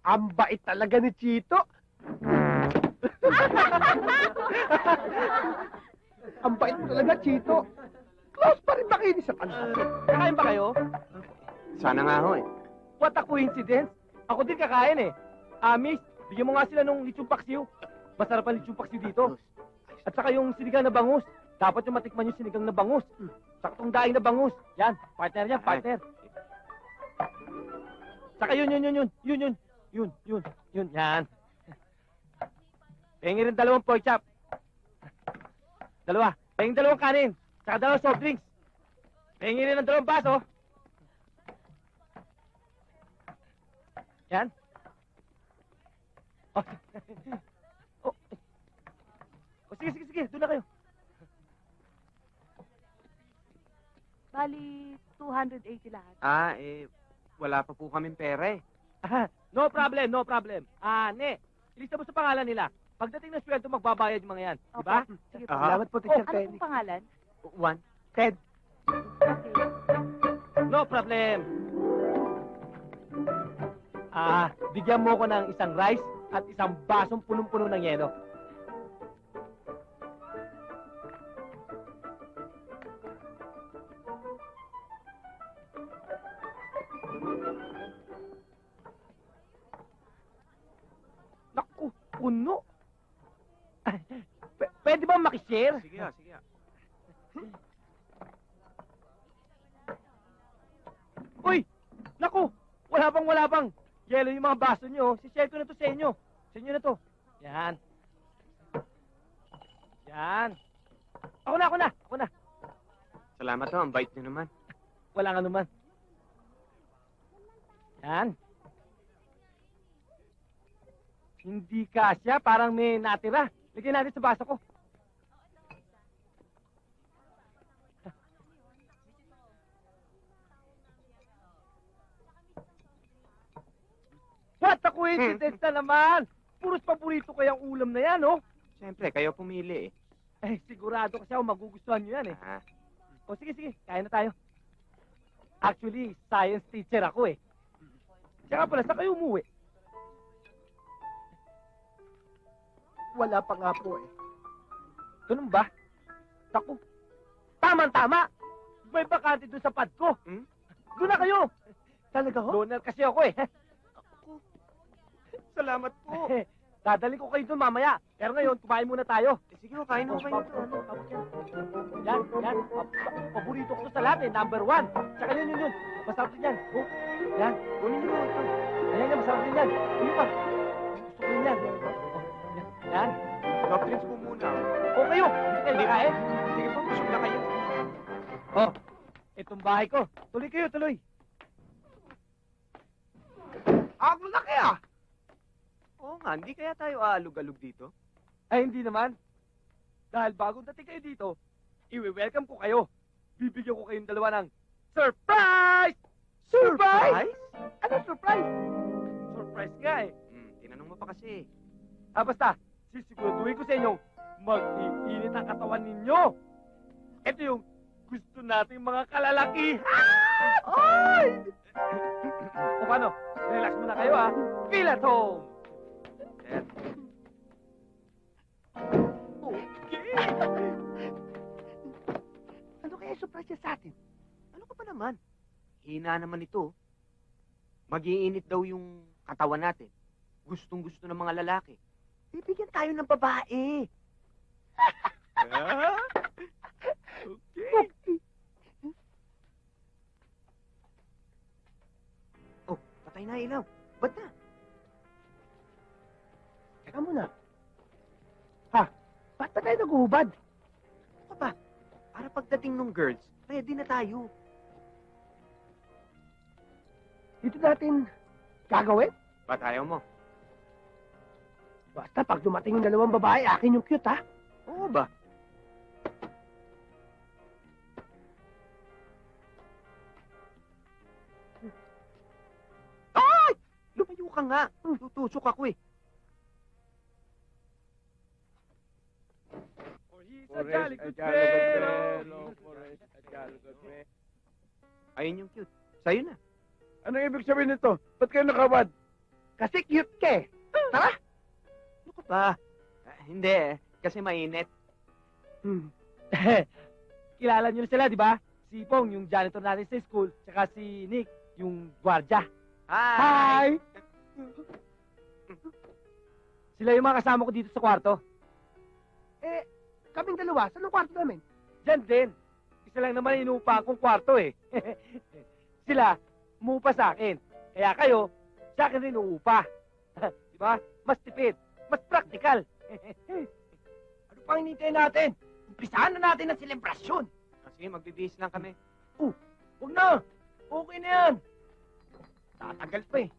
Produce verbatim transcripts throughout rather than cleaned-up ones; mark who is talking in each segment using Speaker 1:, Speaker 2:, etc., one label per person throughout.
Speaker 1: Ang bait talaga ni Chito. Ang bait mo talaga, Chito. Close pa rin ba kayo ni sa tanong?
Speaker 2: Kakain ba kayo?
Speaker 3: Sana nga ho eh.
Speaker 2: What a coincidence. Ako din kakain eh. Ah, miss, bigyan mo nga sila nung lechong paksiw. Masarap ang lechong paksiw dito. At saka yung sinigang na bangus. Dapat yung matikman yung sinigang na bangus. Saka itong daing na bangus. Yan, partner yan, partner. Saka yun, yun, yun, yun, yun, yun, yun, yun, yun, yan. Pengi rin dalawang pork chop. Dalawa. Pengi dalawang kanin. Saka dalawang soft drinks. Pengi rin ng dalawang baso. Yan. Oh. Oh. Oh, sige, sige, sige. Doon na kayo.
Speaker 4: Bali, two hundred eighty lahat.
Speaker 3: Ah, eh, wala pa po kaming pera eh.
Speaker 2: Ah, no problem, no problem. Ah, ne. Ilista mo sa pangalan nila. Pagdating ng sweldo, magbabayad yung mga yan. Di ba?
Speaker 4: Opo. Sige po.
Speaker 3: Aha.
Speaker 1: Salamat po,
Speaker 4: Oh,
Speaker 1: Teacher
Speaker 4: ano
Speaker 1: Penny.
Speaker 4: pong pangalan?
Speaker 3: One.
Speaker 1: Ted.
Speaker 4: Okay.
Speaker 2: No problem. Ah, bigyan mo ko ng isang rice at isang basong punong-puno ng yelo. Naku, puno. P- pwede ba makishare?
Speaker 3: Sige ah, sige ah.
Speaker 2: Uy! Naku! Wala bang wala bang! Yelo yung mga baso nyo. Si-share ko na to sa inyo. Sa inyo na to. Yan. Yan. Ako na, ako na, ako na.
Speaker 3: Salamat ho, ang bait nyo naman.
Speaker 2: Wala nga naman. Yan. Hindi kasya, parang may natira. Lagyan natin sa baso ko. What a coincidence na naman! Puros paborito kayang ulam na yan, oh!
Speaker 3: Siyempre, kayo pumili eh.
Speaker 2: Eh, sigurado kasi ako magugustuhan nyo yan, eh.
Speaker 3: Ah,
Speaker 2: O, sige, sige, kaya na tayo. Actually, science teacher ako, eh. Tsaka pala, saan kayo umuwi?
Speaker 1: Wala pa nga po eh.
Speaker 2: Ganun ba? Naku, tama-tama! May bakante doon sa pad ko.
Speaker 3: Hmm?
Speaker 2: Doon na kayo!
Speaker 1: Talaga ho?
Speaker 2: Loner kasi ako, eh.
Speaker 3: salamat po.
Speaker 2: Dadaling ko kayo doon mamaya. Pero ngayon, kumain muna tayo.
Speaker 3: Eh, sige ho, kain ho kayo.
Speaker 2: Ano? Yan, yan. Pa- pa- Paborito ko to sa lahat, eh. Number one. Tsaka yun, yun, yun. Masarap din yan. Oh, yan.
Speaker 3: Kunin nyo ho ito.
Speaker 2: Ayan yan, masarap din yan. Ayun pa. Gusto ko yun yan. Oh, yan. Yan.
Speaker 3: Soft drinks po muna.
Speaker 2: O kayo, hindi kayo nakain.
Speaker 3: Sige po, busog na kayo.
Speaker 2: Oh, itong bahay ko. Tuloy kayo, tuloy.
Speaker 1: Ang laki ah!
Speaker 3: Oo nga, hindi kaya tayo aalog-alog dito?
Speaker 2: Ay, hindi naman. Dahil bagong dating kayo dito, iwi-welcome ko kayo. Bibigyan ko kayong dalawa ng surprise!
Speaker 1: Surprise? Ano surprise?
Speaker 2: Surprise nga eh.
Speaker 3: Hmm, tinanong mo pa kasi.
Speaker 2: Ah, basta, sisiguraduhin ko sa inyo, mag-iinit ang katawan ninyo. Ito yung gusto nating mga kalalaki.
Speaker 1: Ay!
Speaker 2: O paano? Relax muna kayo ha. Feel at home.
Speaker 3: Sir,
Speaker 1: Okay. Ano kaya surprise niya sa atin?
Speaker 3: ano ka pa naman? Hina naman ito. Mag-iinit daw yung katawan natin. Gustong-gusto ng mga lalaki.
Speaker 1: Bibigyan tayo ng babae.
Speaker 3: Ah? Okay. Oh, patay na ilaw. Ba't na?
Speaker 1: Teka muna. Ha? Ba't ba tayo naguhubad?
Speaker 3: Ano ka ba? Para pagdating ng girls, ready na tayo.
Speaker 1: Dito natin gagawin?
Speaker 3: Ba't ayaw mo?
Speaker 1: Basta pag dumating yung dalawang babae, akin yung cute ha.
Speaker 3: Oo ba? Ay! Lumayo ka nga. Tutusok ako eh.
Speaker 2: For he's a jolly good fellow.
Speaker 3: Ayun yung cute. Sa'yo na.
Speaker 5: Anong ibig sabihin nito? Ba't kayo nakabad?
Speaker 1: Kasi cute ka eh. Tara!
Speaker 3: Ano ka ba? Ah, hindi eh. Kasi mainit.
Speaker 1: Hmm.
Speaker 2: Kilala niyo na sila, di ba? Si Pong, yung janitor natin sa school, tsaka si Nick, yung gwardya.
Speaker 3: Hi!
Speaker 2: Sila yung mga kasama ko dito sa kwarto.
Speaker 1: Eh, kaming dalawa, saan ang kwarto namin?
Speaker 2: Diyan din. Isa lang naman inuupa akong kwarto eh. Sila, umuupa sa akin. Kaya kayo, sa akin rin uupa. Di ba? Mas tipid, mas practical.
Speaker 1: Ano pang hinintay natin? Umpisahan na natin ang selebrasyon.
Speaker 3: Kasi magbibihis lang kami.
Speaker 1: Huwag na! Okay na yan! Tatagal pa eh.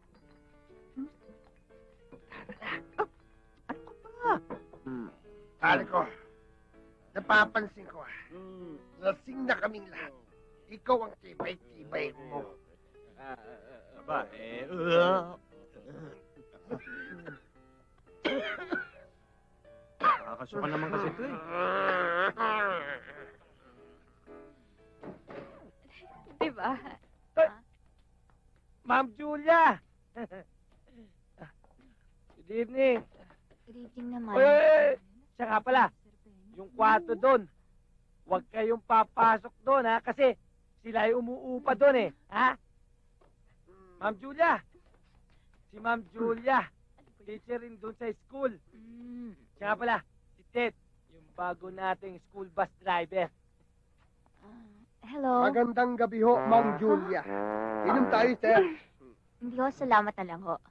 Speaker 3: Ano ka ba?
Speaker 1: Pare ko, napapansin ko ah. Lasing na kaming lahat. Ikaw ang tibay-tibay mo.
Speaker 3: Aba, eh... Nakakasuka naman kasi ito eh.
Speaker 4: Di ba?
Speaker 2: Ma'am Julia! Good evening.
Speaker 4: Good evening naman.
Speaker 2: Oy, oy, oy! Siya nga pala, yung kwarto doon. Huwag kayong papasok doon, ha? Kasi sila ay umuupa doon, eh. Ha? Ma'am Julia! Si Ma'am Julia. Teacher rin doon sa school.
Speaker 4: Mm.
Speaker 2: Siya nga pala, si Ted. Yung bago nating school bus driver.
Speaker 4: Ah, hello.
Speaker 1: Magandang gabi ho, Mang Julia. Inom tayo, sir.
Speaker 4: Hindi ho, salamat na lang ho.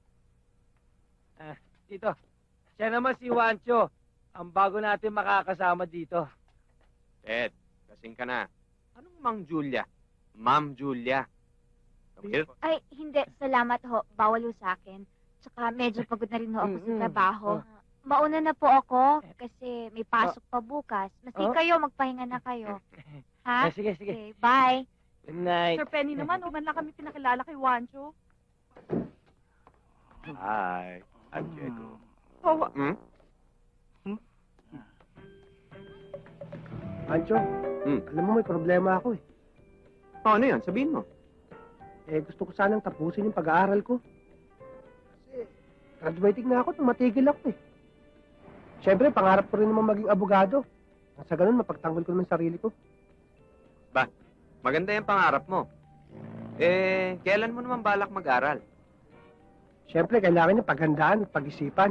Speaker 2: Dito. Siya naman si Juancho. Ang bago natin makakasama dito.
Speaker 3: Ted, kasing ka na. Anong Mang Julia? Ma'am Julia. Come here.
Speaker 4: Ay, hindi. Salamat ho. Bawal ho sa akin. Tsaka medyo pagod na rin ho ako sa
Speaker 2: Mm-mm.
Speaker 4: trabaho.
Speaker 2: Oh.
Speaker 4: Mauna na po ako kasi may pasok pa bukas. Maski
Speaker 2: Oh.
Speaker 4: kayo, magpahinga na kayo. Ha?
Speaker 2: Eh, sige, sige.
Speaker 4: Okay, bye.
Speaker 2: Good night.
Speaker 5: Sir Penny naman, uman lang kami pinakilala kay Wancho.
Speaker 3: Hi, I'm Diego.
Speaker 5: Oh,
Speaker 3: Hmm?
Speaker 1: Ancho,
Speaker 3: Hmm.
Speaker 1: alam mo may problema ako eh.
Speaker 3: Oh, ano yun? Sabihin mo.
Speaker 1: Eh, gusto ko sanang tapusin yung pag-aaral ko. Kasi, graduating na ako nung matigil ako eh. Siyempre, pangarap ko rin naman maging abogado. Nang sa ganun, mapagtanggol ko naman sarili ko.
Speaker 3: Maganda yung pangarap mo. Eh, kailan mo naman balak mag-aral?
Speaker 1: Siyempre, kailangan niya paghandaan at pag-isipan.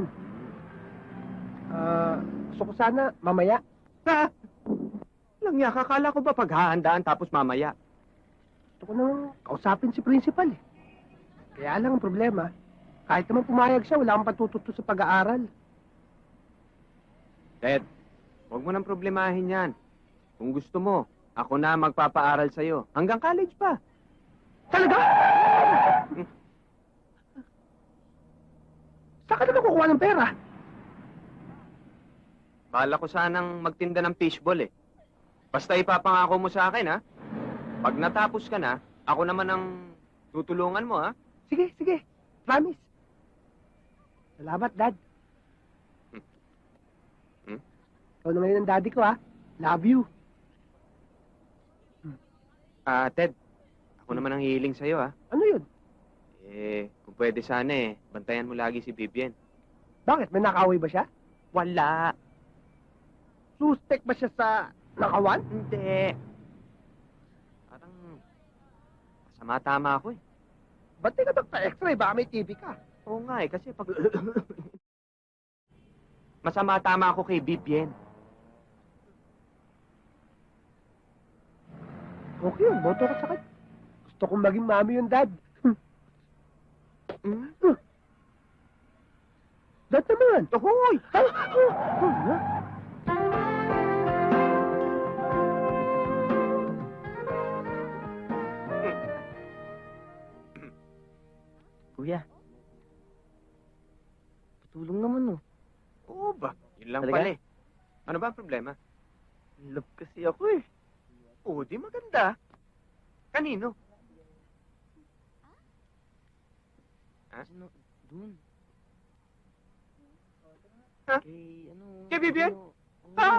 Speaker 1: Ah, gusto ko sana, mamaya.
Speaker 3: Ha? Lang ya, kakala ko ba paghahandaan tapos mamaya?
Speaker 1: Gusto ko nang kausapin si principal eh. Kaya lang ang problema, kahit naman pumayag siya, wala akong patututo sa pag-aaral.
Speaker 3: Ted, huwag mo nang problemahin yan. Kung gusto mo, ako na magpapaaral sa'yo. Hanggang college pa.
Speaker 1: Talaga? Saan ka naman kukuha ng pera?
Speaker 3: Bala ko sanang magtinda ng fishball eh. Basta ipapangako mo sa akin ha. Pag natapos ka na, ako naman ang tutulungan mo ha.
Speaker 1: Sige, sige. Promise. Salamat, Dad.
Speaker 3: Hmm. Hmm?
Speaker 1: Ikaw na ngayon ang daddy ko, ha? Love you.
Speaker 3: Ah, Ted, ako naman ang hihiling sa'yo ha.
Speaker 1: Ano yun?
Speaker 3: Eh, kung pwede sana eh, bantayan mo lagi si Vivian.
Speaker 1: Bakit? May nakaway ba siya?
Speaker 3: Wala.
Speaker 1: Suspect ba siya sa nakawan?
Speaker 3: Hindi. Parang masama tama ako eh.
Speaker 1: Ba't di ka magpa-x-ray? Baka may T V ka.
Speaker 3: Oo nga eh, kasi pag... masama tama ako kay Vivian.
Speaker 1: Okay yun, boto ka sa kanya. Gusto kong maging mami yung dad.
Speaker 3: Hmm?
Speaker 1: Dad naman.
Speaker 3: Hoy!
Speaker 2: Kuya. Patulong naman, oh.
Speaker 3: Oo ba? Yun lang
Speaker 2: Talaga?
Speaker 3: pala eh. Ano ba ang problema?
Speaker 2: Love kasi ako, eh.
Speaker 3: Oo, di maganda. Kanino? Ha?
Speaker 2: Sino? Dun.
Speaker 3: Ha?
Speaker 2: Kay, ano...
Speaker 3: Kay Vivian?
Speaker 2: ano, oo.
Speaker 3: Ha?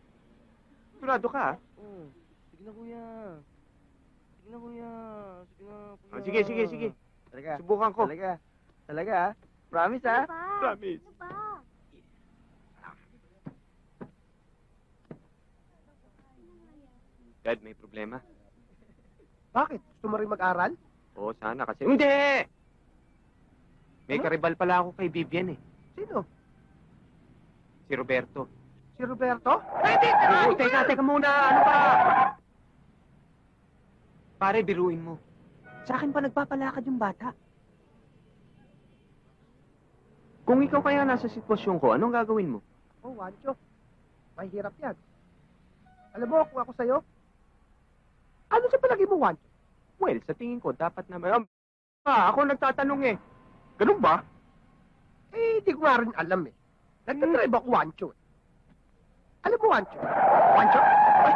Speaker 3: Sigurado ka ah?
Speaker 2: Oo. Sige na, kuya. Sige na, kuya. Sige na.
Speaker 3: O, sige, sige, sige.
Speaker 2: Talaga.
Speaker 3: Subukan ko.
Speaker 2: Talaga. Talaga, ha? Promise, ha?
Speaker 4: Ano ba?
Speaker 3: Promise.
Speaker 4: Ano ba?
Speaker 3: Dad, may problema.
Speaker 1: Bakit? Gusto mo rin mag-aral?
Speaker 3: Oo, sana kasi... Hindi! May
Speaker 1: Ano?
Speaker 3: karibal pala ako kay Vivian eh.
Speaker 1: Sino?
Speaker 3: Si Roberto.
Speaker 1: Si Roberto?
Speaker 3: Oo, teka, teka muna. Ano ba? Pare, biruin mo. Sa akin pa nagpapalakad yung bata. Kung ikaw kaya nasa sitwasyon ko, anong gagawin mo?
Speaker 1: Oh, Wancho. Mahirap yan. Alam mo, kung ako sa'yo, ano sa palagi mo, Wancho?
Speaker 3: Well, sa tingin ko, dapat na may... Ah, ako nagtatanong eh. Ganun ba?
Speaker 1: Eh, di ko nga rin alam eh. Nagtatribe ako, Wancho eh. Alam mo, Wancho? Wancho? Ay,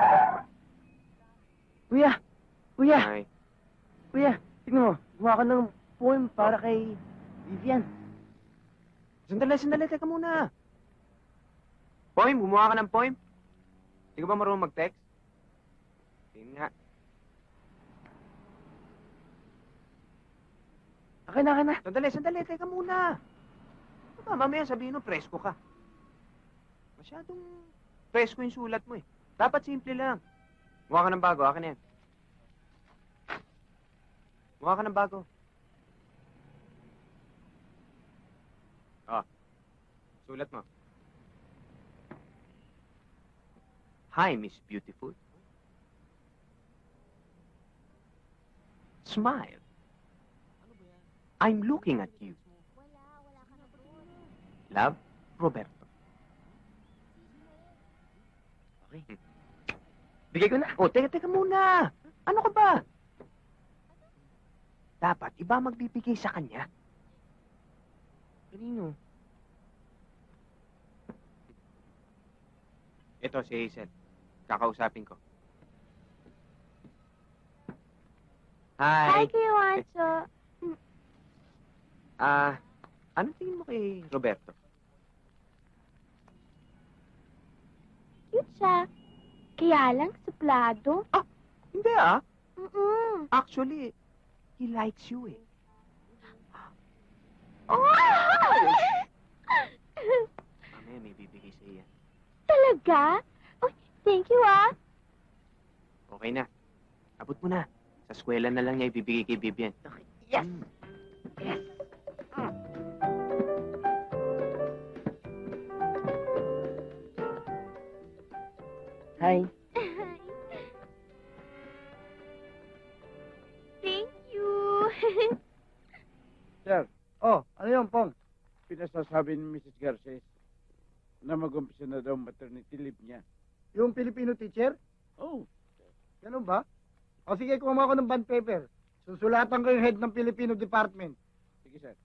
Speaker 2: Kuya! Kuya!
Speaker 3: Ay,
Speaker 2: Kuya! Tingnan mo. Gumawa ka ng poem para kay Vivian.
Speaker 3: sandali, sandali, teka muna. Poem, gumawa ka ng poem? Hindi ka ba marunong mag-text? Tingin nga.
Speaker 2: Akin na, akin na.
Speaker 3: Sandali, sandali, teka muna. Ano ba, mamaya sabihin mo, presko ka. Masyadong presko yung sulat mo eh. Dapat simple lang. Mukha ka ng bago, akin na yan. Mukha ka ng bago. Ah, sulat mo. Hi, Miss Beautiful. Smile. I'm looking at you. Love, Roberto.
Speaker 2: Okay. Bigay ko na.
Speaker 3: Oh, teka, teka muna. Ano ka ba? Dapat iba magbibigay sa kanya.
Speaker 2: Kanino?
Speaker 3: Ito si Hazel. Kakausapin ko.
Speaker 4: Hi,
Speaker 3: Hi.
Speaker 4: Kuya Wancho.
Speaker 3: Ah, ano tingin mo kay Roberto?
Speaker 4: Cute siya. Kaya lang, suplado.
Speaker 3: Hindi ah.
Speaker 4: Mm-mm.
Speaker 3: Actually, he likes you eh.
Speaker 4: Oh!
Speaker 3: Mamaya may bibigay sa iya.
Speaker 4: Talaga? Oh, thank you, ah.
Speaker 3: Okay na. Abot mo na. Sa eskwela na lang niya ibibigay kay Vivian.
Speaker 2: Yes!
Speaker 3: Mm.
Speaker 2: Yes! Hi.
Speaker 4: Thank you.
Speaker 6: Sir, oh, ano yun, Pong? Pinasasabi ni Missus Garces na mag-umpisa na daw maternity leave niya.
Speaker 1: yung Filipino teacher?
Speaker 6: Oh,
Speaker 1: Ganun ba? O sige, kumuha ko ng bond paper. Susulatan ko yung head ng Filipino Department.
Speaker 6: sige, sir.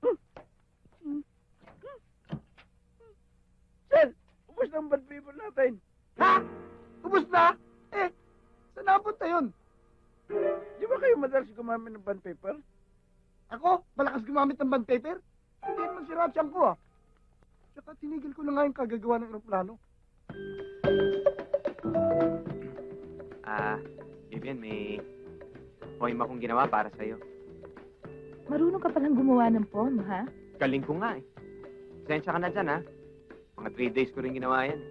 Speaker 1: Sir!
Speaker 6: Ubus na ang bad paper natin.
Speaker 1: Ha? Ubus na? Eh, saan napunta yun?
Speaker 6: Di ba kayo madalas gumamit ng bond paper?
Speaker 1: Ako? Malakas gumamit ng bond paper? Hindi naman si Ratchan ko ah. Tsaka tinigil ko na nga yung kagagawa ng aeroplano.
Speaker 3: Ah, Vivian, may poem akong ginawa para sa'yo.
Speaker 5: Marunong ka palang gumawa ng poem, ha?
Speaker 3: Galing ko nga eh. Sensya ka na dyan ha. Mga three days ko rin ginawa yan.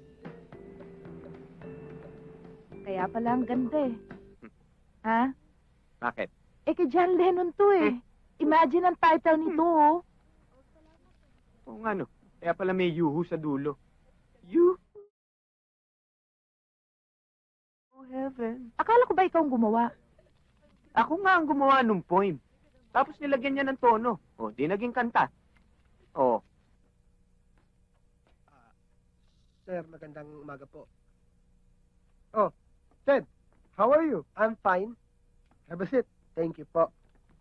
Speaker 5: Kaya pala ang ganda eh. Ha?
Speaker 3: Bakit?
Speaker 5: Eh kay John Lennon to eh. Imagine ang title nito, oh.
Speaker 3: Oo nga no. Kaya pala may yuhu sa dulo. You. Oh heaven.
Speaker 5: Akala ko ba ikaw ang gumawa?
Speaker 3: Ako nga ang gumawa ng poem. Tapos nilagyan niya ng tono. O, di naging kanta. O,
Speaker 1: Sir, magandang umaga po. Oh, Ted, how are you? I'm fine. Have a seat. Thank you po.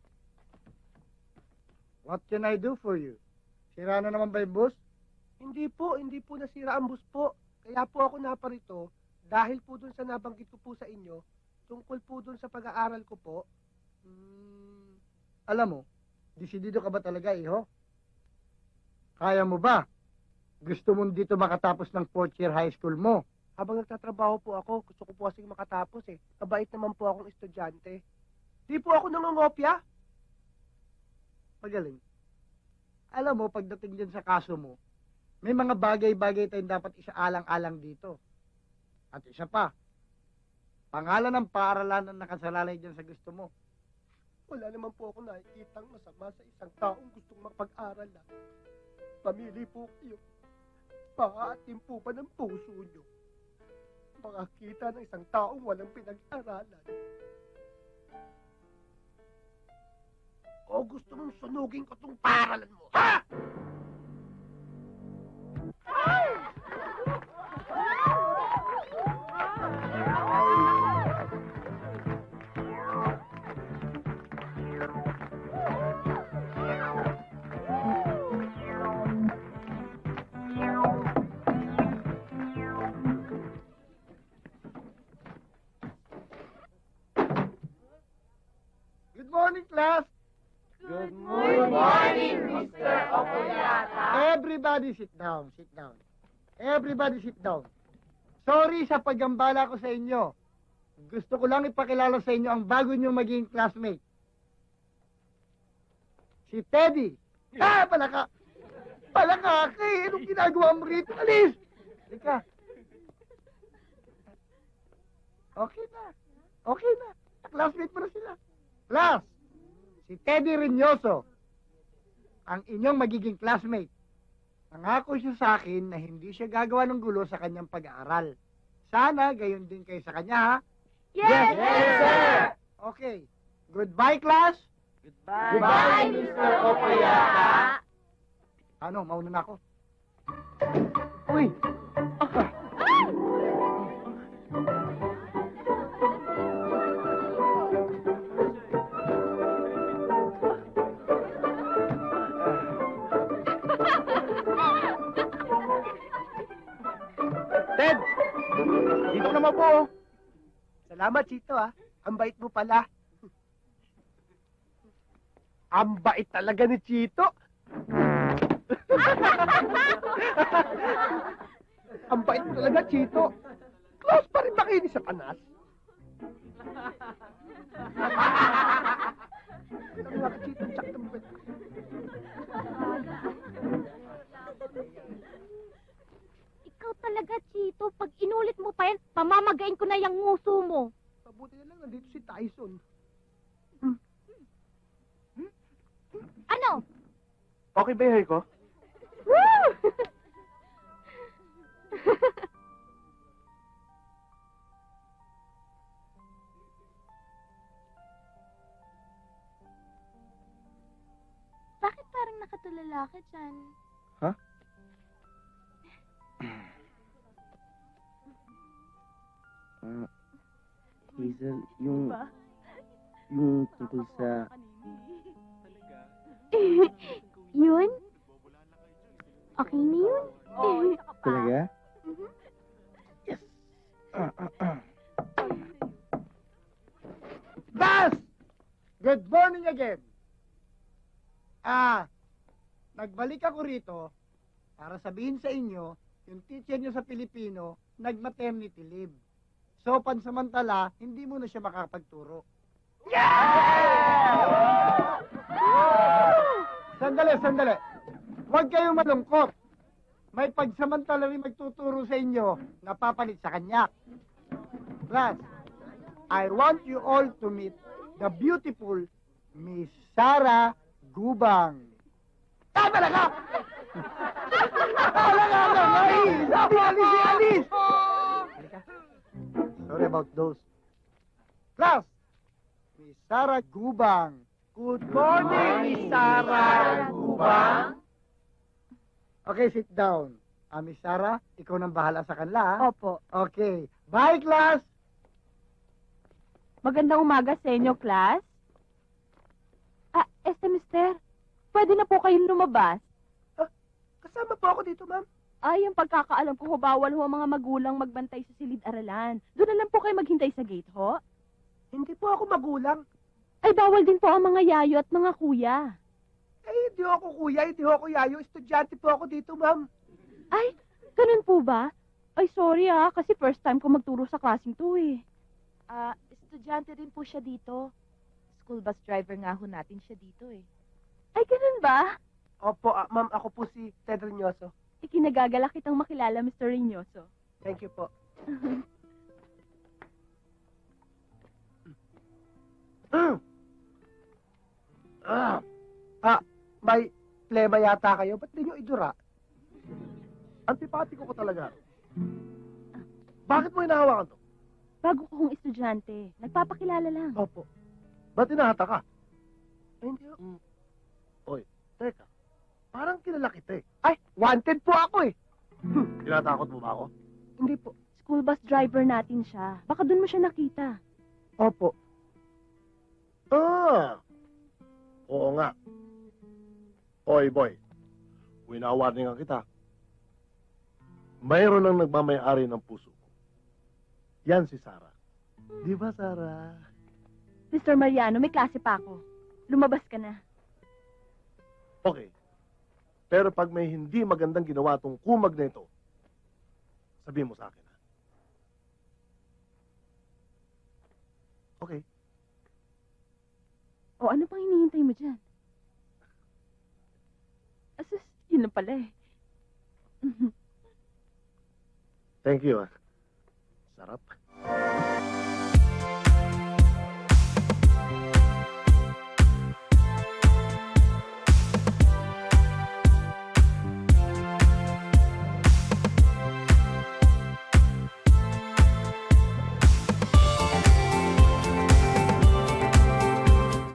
Speaker 1: What can I do for you? Sira na naman ba yung bus? Hindi po, hindi po nasira ang bus po. Kaya po ako naparito dahil po dun sa nabanggit ko po sa inyo, tungkol po dun sa pag-aaral ko po. Hmm, alam mo, desidido ka ba talaga, iho? Kaya mo ba? Gusto mo dito makatapos ng fourth year high school mo? Habang nagtatrabaho po ako, gusto ko po kasing makatapos eh. Kabait naman po akong estudyante. Di po ako nangongopya.
Speaker 7: Magaling. Alam mo, pagdating din sa kaso mo, may mga bagay-bagay tayong dapat isaalang-alang dito. At isa pa, pangalan ng paaralan ang nakasalalay dyan sa gusto mo.
Speaker 1: Wala naman po ako nakikitang masama sa isang taong gustong makapag-aral lang. Pamili po kayo. Paatin po ba ng puso nyo? Makakita ng isang taong walang pinag-aralan. O gusto mong sunugin ko tong paaralan mo, ha?
Speaker 7: Good morning, class!
Speaker 5: Good
Speaker 7: morning,
Speaker 5: Mister Okoyata.
Speaker 7: Everybody sit down, sit down. Everybody sit down. Sorry sa paggambala ko sa inyo. Gusto ko lang ipakilala sa inyo ang bago nyo maging classmate. Si Teddy. Ah, palaka! Palaka, kay anong ginagawa mo rito? Alis! Ika. Okay na. Okay na. Classmate mo na sila. Class! Si Teddy Reynoso, ang inyong magiging classmate. Nangako siya sa akin na hindi siya gagawa ng gulo sa kanyang pag-aaral. Sana gayon din kayo sa kanya, ha?
Speaker 5: Yes, sir!
Speaker 7: Okay. Goodbye, class.
Speaker 5: Goodbye, Mister Okoyata.
Speaker 7: Ano, mauna na ako. Uy!
Speaker 1: Ted!
Speaker 7: Dito naman po.
Speaker 1: Salamat, Chito, ha? Ang bait mo pala. Ang bait talaga ni Chito. Ang bait mo talaga, Chito. Close pa rin ba kayo ni Satanas? Ang mga Chito, tsak ng bait.
Speaker 4: Ikaw talaga, Chito. Pag inulit mo pa yan, mamamagain ko na yung nguso mo.
Speaker 1: Mabuti na lang, nandito si Tyson.
Speaker 4: Ano?
Speaker 1: Okay ba yung hair ko?
Speaker 4: Woo! Bakit parang nakatulala ka dyan?
Speaker 8: Ah, Hazel, yung... yung tungkol sa...
Speaker 4: Yun? Okay na yun?
Speaker 8: Talaga?
Speaker 4: Mhm.
Speaker 8: Yes! Ah, ah, ah.
Speaker 7: Class! Good morning again. Ah, nagbalik ako rito para sabihin sa inyo, yung teacher nyo sa Pilipino, nag-maternity leave. So, pansamantala, hindi mo na siya makakapagturo. Sandali, sandali. Huwag kayong malungkot. May pagsamantala rin magtuturo sa inyo na papalit sa kanya. Class, I want you all to meet the beautiful Miss Sarah Gubang. Ah, talaga! Talaga, Alice! Sabi, Alice, Alice! Halika. Sorry about those. Class, Miss Sarah Gubang. Good morning, Miss Sarah Gubang. Okay, sit down. Ah, Miss Sarah, ikaw nang bahala sa kanila, ha?
Speaker 5: Opo.
Speaker 7: Okay. Bye, class!
Speaker 5: Magandang umaga sa inyo, class. Ah, este mister, pwede na po kayong lumabas.
Speaker 1: Kasama po ako dito, ma'am.
Speaker 5: Ay, ang pagkakaalam ko, ho, bawal ho ang mga magulang magbantay sa silid-aralan. Doon na lang po kayo maghintay sa gate, ho.
Speaker 1: Hindi po ako magulang.
Speaker 5: Ay, bawal din po ang mga yayo at mga kuya.
Speaker 1: Eh, hindi ako kuya, hindi ako yayo. Estudyante po ako dito, ma'am.
Speaker 5: Ay, ganun po ba? Ay, sorry ah, kasi first time ko magturo sa klaseng to eh. Ah, estudyante din po siya dito. school bus driver nga ho natin siya dito eh. Ay, ganun ba?
Speaker 1: Opo, ah, ma'am, ako po si Ted Reynoso.
Speaker 5: Ikinagagalak kitang makilala, Mister Reynoso.
Speaker 1: Thank you po. ah, ah, may plema yata kayo. Ba't di nyo idura?
Speaker 7: Antipatiko ko talaga. Bakit mo hinahawakan to?
Speaker 5: Bago ko kong estudyante. Nagpapakilala lang.
Speaker 1: Opo.
Speaker 7: Ba't hinahata ka?
Speaker 1: Ay, hindi ho.
Speaker 7: Teka, parang kilala kita eh.
Speaker 1: Ay, wanted po ako eh.
Speaker 7: Tinatakot mo ba ako?
Speaker 1: Hindi po.
Speaker 5: School bus driver natin siya. Baka doon mo siya nakita.
Speaker 1: Opo.
Speaker 7: Ah! Oo nga. Oy, boy. Winawarningan kita. Mayroon lang nagmamayari ng puso ko. Yan si Sarah. Di ba, Sarah?
Speaker 5: Mister Mariano, may klase pa ako. Lumabas ka na.
Speaker 7: Okay. Pero pag may hindi magandang ginawa tong kumag na ito, sabihin mo sa akin, ha? Okay.
Speaker 5: O ano pang hinihintay mo dyan? Asus, yun lang pala eh.
Speaker 7: Thank you, ah. Sarap.